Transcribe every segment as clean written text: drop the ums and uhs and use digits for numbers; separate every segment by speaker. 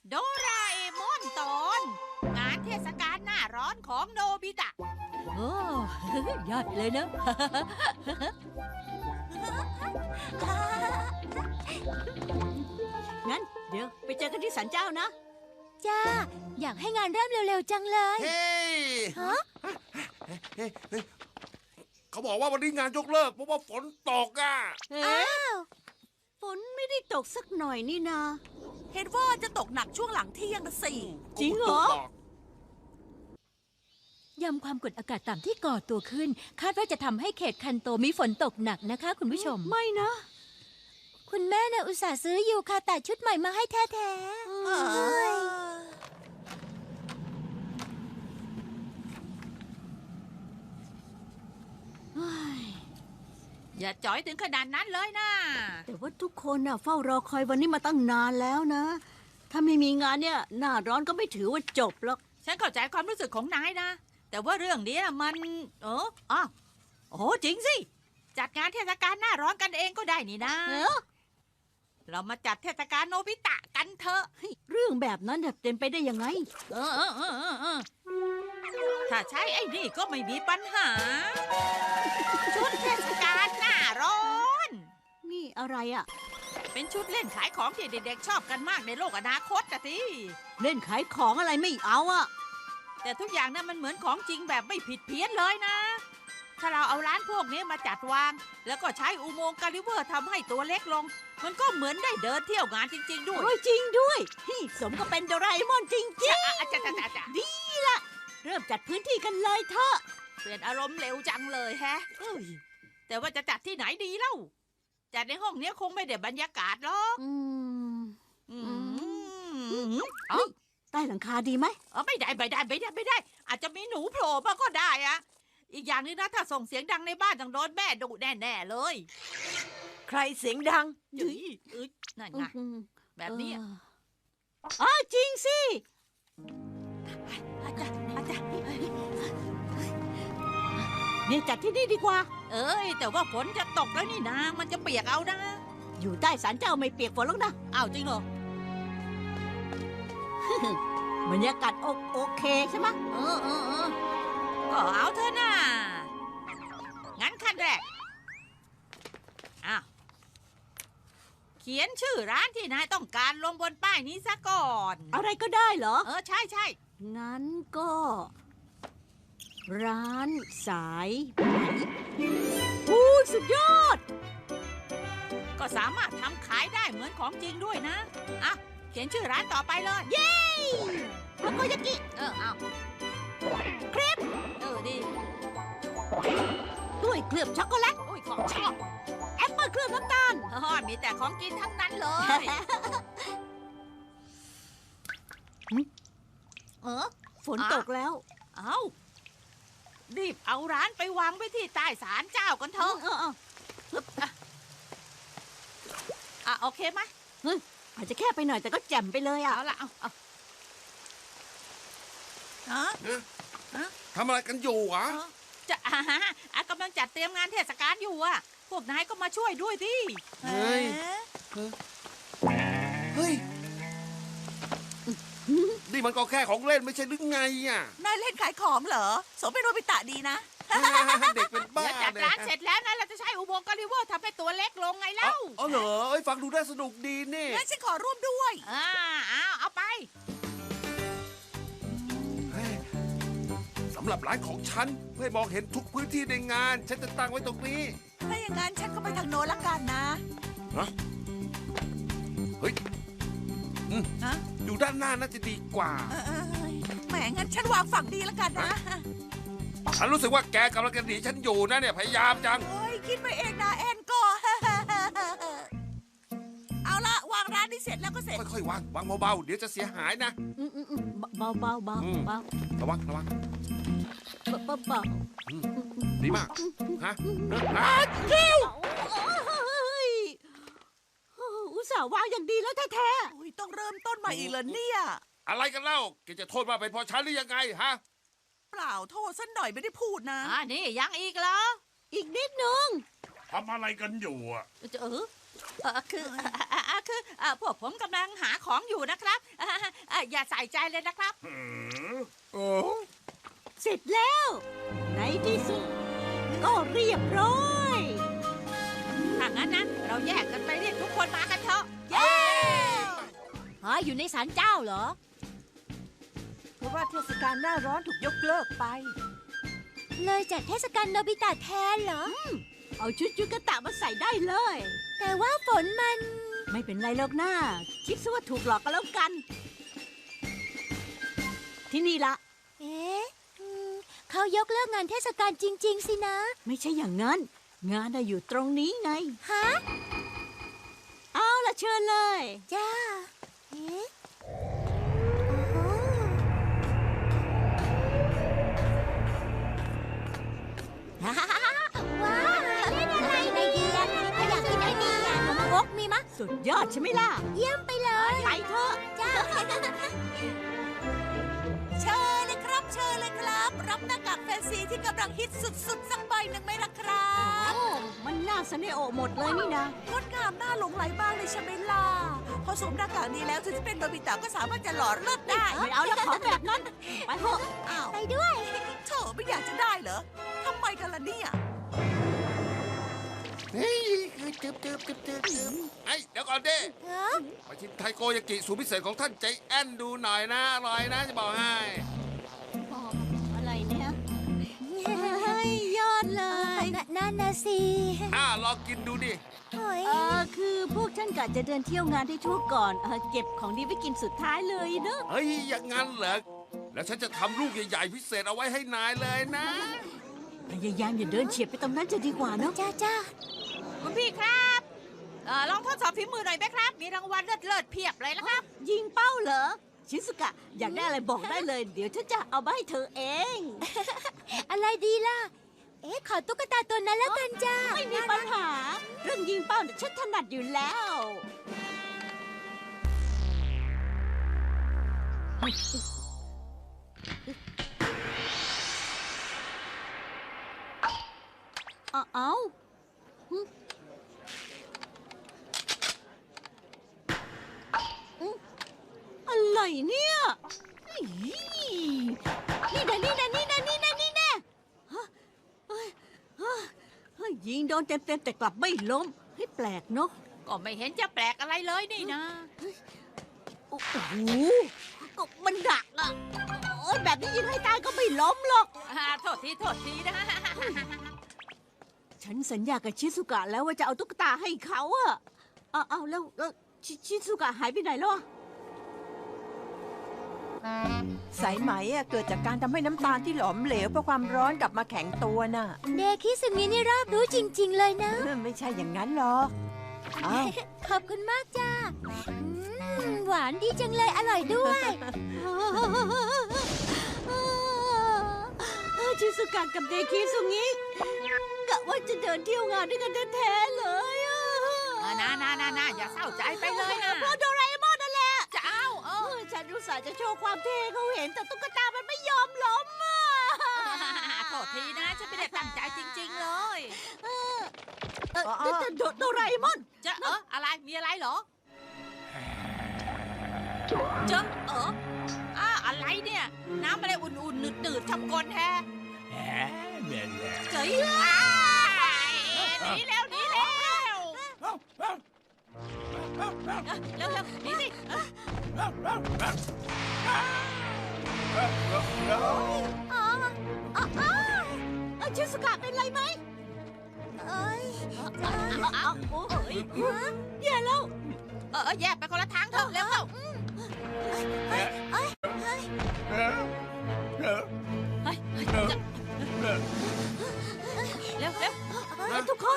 Speaker 1: โดราเอมอนตอน งานเทศกาลหน้าร้อนของโนบิตะ
Speaker 2: โอ้ ยอดเลยนะ
Speaker 3: งั้นเดี๋ยวไปเจอกันที่ศาลเจ้านะ
Speaker 2: จ้า อยากให้งานเริ่มเร็วๆจังเลย
Speaker 4: เฮ้ย
Speaker 2: ฮะ
Speaker 4: เฮ้ยเขาบอกว่าวันนี้งานยกเลิกเพราะว่าฝนตกอ่ะ
Speaker 3: เอ๊ะฝนไม่ได้ตกสักหน่อยนี่นา
Speaker 5: เห็นว่าจะตกหนักช่วงหลังเที่ยงนะสิ
Speaker 3: จริงเหรอ
Speaker 2: ยอมความกดอากาศต่ำที่ก่อตัวขึ้น คาดว่าจะทำให้เขตคันโตมีฝนตกหนักนะคะคุณผู้ชม
Speaker 3: ไม่นะ
Speaker 2: คุณแม่น่ะอุตส่าห์ซื้อยูคาตะชุดใหม่มาให้แท้
Speaker 5: เอ
Speaker 2: ๆ
Speaker 5: อ
Speaker 1: อย่าจ๋อยถึงขนาดนั้นเลยนะ
Speaker 3: แต่ว่าทุกคนน่ะเฝ้ารอคอยวันนี้มาตั้งนานแล้วนะ ถ้าไม่มีงานเนี่ยหน้าร้อนก็ไม่ถือว่าจบหรอก
Speaker 1: ฉันเข้าใจความรู้สึกของนายนะ แต่ว่าเรื่องนี้มัน อ้าวโอ้จริงสิ จัดงานเทศกาลหน้าร้อนกันเองก็ได้นี่นะ เรามาจัดเทศกาลโนบิตะกันเถอะ
Speaker 3: เรื่องแบบนั้นน่ะเป็นไปได้ยังไง
Speaker 1: เออ ถ้าใช้ไอ้นี่ก็ไม่มีปัญหา ชุดเทศกาลหน้าร้อน
Speaker 3: นี่อะไรอ่ะ
Speaker 1: เป็นชุดเล่นขายของที่เด็กๆชอบกันมากในโลกอนาคตอะสิ
Speaker 3: เล่นขายของอะไรไม่เอาอ่ะ
Speaker 1: แต่ทุกอย่างนั้นมันเหมือนของจริงแบบไม่ผิดเพี้ยนเลยนะ ถ้าเราเอาร้านพวกนี้มาจัดวาง แล้วก็ใช้อุโมงค์กาลิเวอร์ทำให้ตัวเล็กลง มันก็เหมือนได้เดินเที่ยวงานจริง ๆ ด้วย
Speaker 3: โอ้ยจริงด้วยนี่สมกับเป็นโดราเอมอนจริง
Speaker 1: อ่ะจ้ะ
Speaker 3: ๆ ดีละเริ่มจัดพื้นที่กันเลยเถอะ
Speaker 1: เปลี่ยนอารมณ์เร็วจังเลยแฮะ
Speaker 3: เอ้ย
Speaker 1: แต่ว่าจะจัดที่ไหนดีเล่า จัดในห้องเนี้ยคงไม่ได้บรรยากาศหรอก
Speaker 3: อืม
Speaker 1: อืมเอ้า
Speaker 3: ใต้หลังคาดีไหม
Speaker 1: ไม่ได้ อาจจะมีหนูโผล่มาก็ได้อะอีกอย่างหนึงนะถ้าส่งเสียงดังในบ้านต้องโดนแม่ดุแน่ๆเลย
Speaker 5: ใครเสียงดัง
Speaker 1: เอ้ยนั่นไงแบบนี้อะ
Speaker 3: อ๋อจริงสิ
Speaker 1: อาจารย์
Speaker 3: เนี่ยจัดที่นี่ดีกว่า
Speaker 1: เอ้ยแต่ว่าฝนจะตกแล้วนี่นะ มันจะเปียกเอานะ
Speaker 3: อยู่ใต้ศาลเจ้าไม่เปียกฝนหรอกนะ
Speaker 1: อ้าวจริงเหรอบ
Speaker 3: รรยากาศโอเคใช่ไหม
Speaker 1: ก็เอาเถอะนะงั้นขั้นแรกอ้าวเขียนชื่อร้านที่นายต้องการลงบนป้ายนี้ซะก่อน
Speaker 3: อะไรก็ได้เหรอ
Speaker 1: ใช่
Speaker 3: งั้นก็ ร้านสายไหมอู้สุดยอด
Speaker 1: ก็สามารถทำขายได้เหมือนของจริงด้วยนะอ่ะเขียนชื่อร้านต่อไปเลย
Speaker 3: ทาโกยากิ
Speaker 1: เอาเครปดี
Speaker 3: ด้วยเคลือบช็อกโกแลต
Speaker 1: อุ้ยของชอบ
Speaker 3: แอปเปิลเคลือบน้ำตาล
Speaker 1: มีแต่ของกินทั้งนั้นเลย
Speaker 3: ฝนตกแล้ว
Speaker 1: เอารีบเอาร้านไปวางไว้ที่ใต้ศาลเจ้ากันเถอะโอเคไหม
Speaker 3: อาจจะแค่ไปหน่อยแต่ก็แจ่มไปเลยอ่ะ
Speaker 1: เอาละเอา
Speaker 4: ทำอะไรกันอยู่อ่ะ
Speaker 1: จะกำลังจัดเตรียมงานเทศกาลอยู่อ่ะ พวกนายก็มาช่วยด้วยสิ
Speaker 4: เฮ้ย เฮ้ย นี่มันก็แค่ของเล่นไม่ใช่หรือไงอ่ะ
Speaker 5: นายเล่นขายของเหรอ สมเป็นโนบิตะดีนะ
Speaker 4: เด็กเป็นบ้า
Speaker 1: เดี๋ยวจัดร้านเสร็จแล้วนะเราจะใช้อุโมงค์กาลิเวอร์ทำให้ตัวเล็กลงไงเล่า
Speaker 4: เอาเหรอเอ้ยฟังดูน่าสนุกดีนี่
Speaker 5: งั้นฉันขอร่วมด้วย
Speaker 1: เอาไป
Speaker 4: เฮ้ยสำหรับร้านของฉันเพื่อให้มองเห็นทุกพื้นที่ในงาน ฉันจะตั้งไว้ตรงนี้
Speaker 5: ถ้าอย่างนั้นฉันก็ไปทางโน้นละกันนะ
Speaker 4: เฮ้ย
Speaker 5: ฮะ
Speaker 4: อยู่ด้านหน้าน่าจะดีกว่า
Speaker 5: แหมงั้นฉันวางฝั่งดีละกันนะ
Speaker 4: ฉันรู้สึกว่าแกกำลังจะหนีฉันอยู่นะเนี่ยพยายามจัง
Speaker 5: โอ้ยคิดไปเองนะแอนก็ เอาละวางร้านนี้เสร็จแล้วก็เสร็จ
Speaker 4: ค่อยๆวางเบาๆเดี๋ยวจะเสียหายนะ
Speaker 3: เบาเบา
Speaker 4: อืม
Speaker 3: เบา
Speaker 4: ระวัง
Speaker 3: เบาเบา
Speaker 4: ดีมากฮะ
Speaker 3: อุตส่าห์วางอย่างดีแล้วแท้
Speaker 5: โอ้ยต้องเริ่มต้นใหม่อีกเหรอเนี่ย
Speaker 4: อะไรกันเล่าแกจะโทษว่าเป็นเพราะฉันหรือยังไงฮะ
Speaker 5: เปล่าโทษสันหน่อยไม่ได้พูดนะ
Speaker 1: นี่ยังอีกเหรอ
Speaker 3: ๆอีกนิดนึง
Speaker 6: ทำอะไรกันอยู่อ่ะ
Speaker 1: พวกผมกำลังหาของอยู่นะครับอย่าใส่ใจเลยนะครับ
Speaker 4: โอ้
Speaker 3: เสร็จแล้ว ในที่สุด ก็เรียบร้อย
Speaker 1: ถ้างั้นนะเราแยกกันไปเรียกทุกคนมากันเถอะ เย้
Speaker 2: อยู่ในศาลเจ้าเหรอ
Speaker 5: เพราะว่าเทศกาลหน้าร้อนถูกยกเลิกไป
Speaker 2: เลยจัดเทศกาลโนบิตะแทนเหรอ
Speaker 3: เอาชุดยูกะตะมาใส่ได้เลย
Speaker 2: แต่ว่าฝนมัน
Speaker 3: ไม่เป็นไรหรอกนะคิดซะว่าถูกหลอกกันแล้วกัน ที่นี่ละ
Speaker 2: เอ๊ะเขายกเลิกงานเทศกาลจริง ๆ สินะ
Speaker 3: ไม่ใช่อย่างนั้น งานน่ะอยู่ตรงนี้ไง
Speaker 2: ฮะ
Speaker 3: เอาละเชิญเลย
Speaker 2: จ้า เอ๊ะว้าวเล่นอะไรดีอ่ะอยากกินไอเดียขนมครกมีมะ
Speaker 3: สุดยอดใช่ไหมล่ะ
Speaker 2: เยี่ยมไปเลย
Speaker 3: ไปเถอะ
Speaker 2: จ้า
Speaker 5: เชิญเลยครับ เชิญเลยครับ รับหน้ากากแฟนซีที่กำลังฮิตสุดๆ สักใบหนึ่งไหมล่ะครับ
Speaker 3: โอ้มันน่าเสน่ห์โอหมดเลยนี่นะ
Speaker 5: งดงามน่าหลงไหลมากเลยใช่ไหมล่ะ พอสวมหน้ากากนี้แล้วถึงจะเป็นโนบิตะก็สามารถจะหล่อเลิศได้
Speaker 3: ไม่เอาแล้วของแบบนั้น ไปเถอะ
Speaker 5: อ้าว
Speaker 2: ไปด้วย
Speaker 5: เธอไม่อยากจะได้เหรอทำไมกันล่ะเนี่ย
Speaker 4: เฮ้ยจืบไอ้เดี๋ยวก่อนดิ
Speaker 2: เออ
Speaker 4: มาชิมไทโกยากิสูตรพิเศษของท่านใจแอนดูหน่อยนะอร่อยนะจะบอกให้
Speaker 3: อะไรเนี่ยเฮ้ยยอดเลย
Speaker 2: นั่นนะสิ
Speaker 4: ลองกินดูดิ
Speaker 2: โอ้ย
Speaker 3: คือพวกฉันกะจะเดินเที่ยวงานที่ทั่วก่อนเก็บของดีไว้กินสุดท้ายเลยเนอะ
Speaker 4: เฮ้ยอย่างงั้นเหรอแล้วฉันจะทำลูกใหญ่ๆพิเศษเอาไว้ให้นายเลยนะ
Speaker 3: พยายามอย่าเดินเฉียดไปตรงนั้นจะดีกว่าเนอะ
Speaker 2: จ้า
Speaker 1: คุณพี่ครับลองทดสอบฝีมือหน่อยไหมครับ มีรางวัลเลิศๆเพียบเลยนะครับ
Speaker 3: ยิงเป้าเหรอ ชิสุกะ อยากได้อะไรบอกได้เลย เดี๋ยวฉันจะเอามาให้เธอเอง
Speaker 2: อะไรดีล่ะ เอ๊ะ ขอตุ๊กตาตัวนั้นแล้วกันจ้า
Speaker 3: ไม่มีปัญหา เรื่องยิงเป้าเนี่ยฉันถนัดอยู่แล้วเอาอะไรเนี่ยอีนี่นะฮะเฮ้ยยิงโดนเต็มๆแต่กลับไม่ล้มให้แปลกเนาะ
Speaker 1: ก็ไม่เห็นจะแปลกอะไรเลยนี่นะ
Speaker 3: โอ้โหก็มันดักอะโอ้ยแบบนี้ยิงให้ตายก็ไม่ล้มหรอก
Speaker 1: โทษทีนะ
Speaker 3: ฉันสัญญากับชิสุกะแล้วว่าจะเอาตุ๊กตาให้เขาอะเอาแล้วชิสุกะหายไปไหนแล้วอะ
Speaker 6: สายไหมอะเกิดจากการทำให้น้ำตาลที่หลอมเหลวเพราะความร้อนกลับมาแข็งตัวน่ะ
Speaker 2: เดคิสึมินี่รอบรู้จริง ๆ เลยนะ
Speaker 6: ไม่ใช่อย่างนั้นหรอกอ้าว
Speaker 2: ขอบคุณมากจ้าหวานดีจังเลย อร่อยด้วย
Speaker 3: ชิสุกะกับเดคิสุงิกะว่าจะเดินเที่ยวงานด้วยกันแท้ๆเลยอะ
Speaker 1: นะอย่าเศร้าใจไปเลยนะ
Speaker 3: เพราะโดราเอมอนนั่นแหละ
Speaker 1: จะเอา
Speaker 3: ฉันอุตส่าห์จะโชว์ความเท่ให้เขาเห็นแต่ตุ๊กตามันไม่ยอมล้มอ่ะ
Speaker 1: โทษทีนะฉันไม่ได้ตั้งใจจริง ๆ เลย
Speaker 3: โดราเอมอน
Speaker 1: จะอะไรมีอะไรเหรอเจออะไรเนี่ย น้ำอะไรอุ่นๆหนืดๆทำกลแท้เจ๋ยหนีแล้วหนีหนีสิ
Speaker 3: ชิสุกะเป็นไรไหม
Speaker 2: เอ้ย
Speaker 3: โอ้ยแย่แล้ว
Speaker 1: แยกไปคนละทางเถอะเร็วเข้าเร็ว
Speaker 3: ทุกคน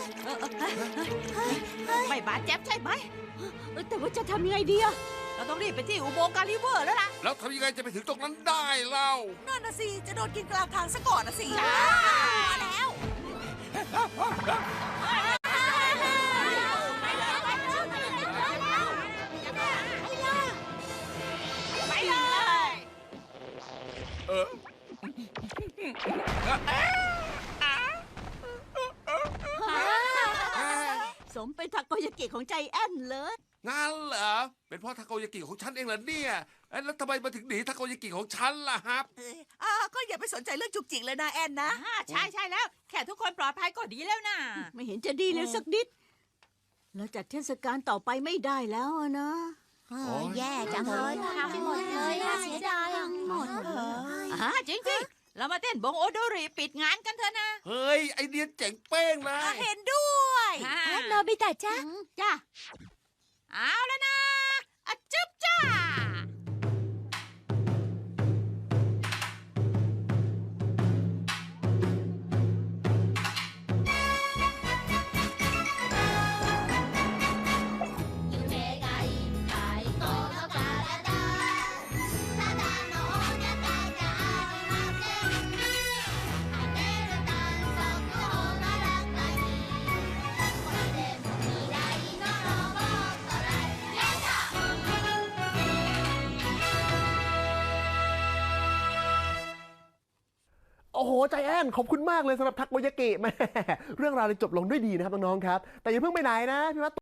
Speaker 1: ไม่บาดเจ็บใช่ไหม
Speaker 3: แต่ว่าจะทำยังไงดีอะ
Speaker 1: เราต้องรีบไปที่อุโมงค์การิเวอร์แล้วล่ะ
Speaker 4: แล้วทำยังไงจะไปถึงตรงนั้นได้เล่า
Speaker 5: นั่นนะสิ จะโดนกินกลางทางซะก่อนนะสิมาแล้ว
Speaker 1: ไปเลย
Speaker 3: สมเป็นทาโกยากิของใจแอนเลย
Speaker 4: งั้นเหรอ เป็นเพราะทาโกยากิของฉันเองเหรอเนี่ยเอ้ยแล้วทำไมมาถึงหนีทาโกยากิของฉันล่ะครับ
Speaker 5: ก็อย่าไปสนใจเรื่องจุกจิกเลยนะแอนนะ
Speaker 1: ใช่ใช่แล้ว แค่ทุกคนปลอดภัยก็ดีแล้วนะ
Speaker 3: ไม่เห็นจะดีเลยสักนิด แล้วจัดเทศกาลต่อไปไม่ได้แล้วอะนะ
Speaker 5: แย่จังเลยทำหมดเลยน่าเสียดาย
Speaker 3: หมดเลย
Speaker 1: จริงสิเรามาเต้นบงโอโดริปิดงานกันเถอะนะ
Speaker 4: เฮ้ย ไอเดียเจ๋งเป้งเลย
Speaker 5: เห็นด้วย
Speaker 2: โนบิตะจ้า
Speaker 1: จ้าเอาแล้วนะอะจึ๊บจ้า
Speaker 7: โอ้โหใจแอนขอบคุณมากเลยสำหรับทักโกยากิแม่เรื่องราวเลยจบลงด้วยดีนะครับน้องๆครับ แต่อย่าเพิ่งไปไหนนะพี่วัด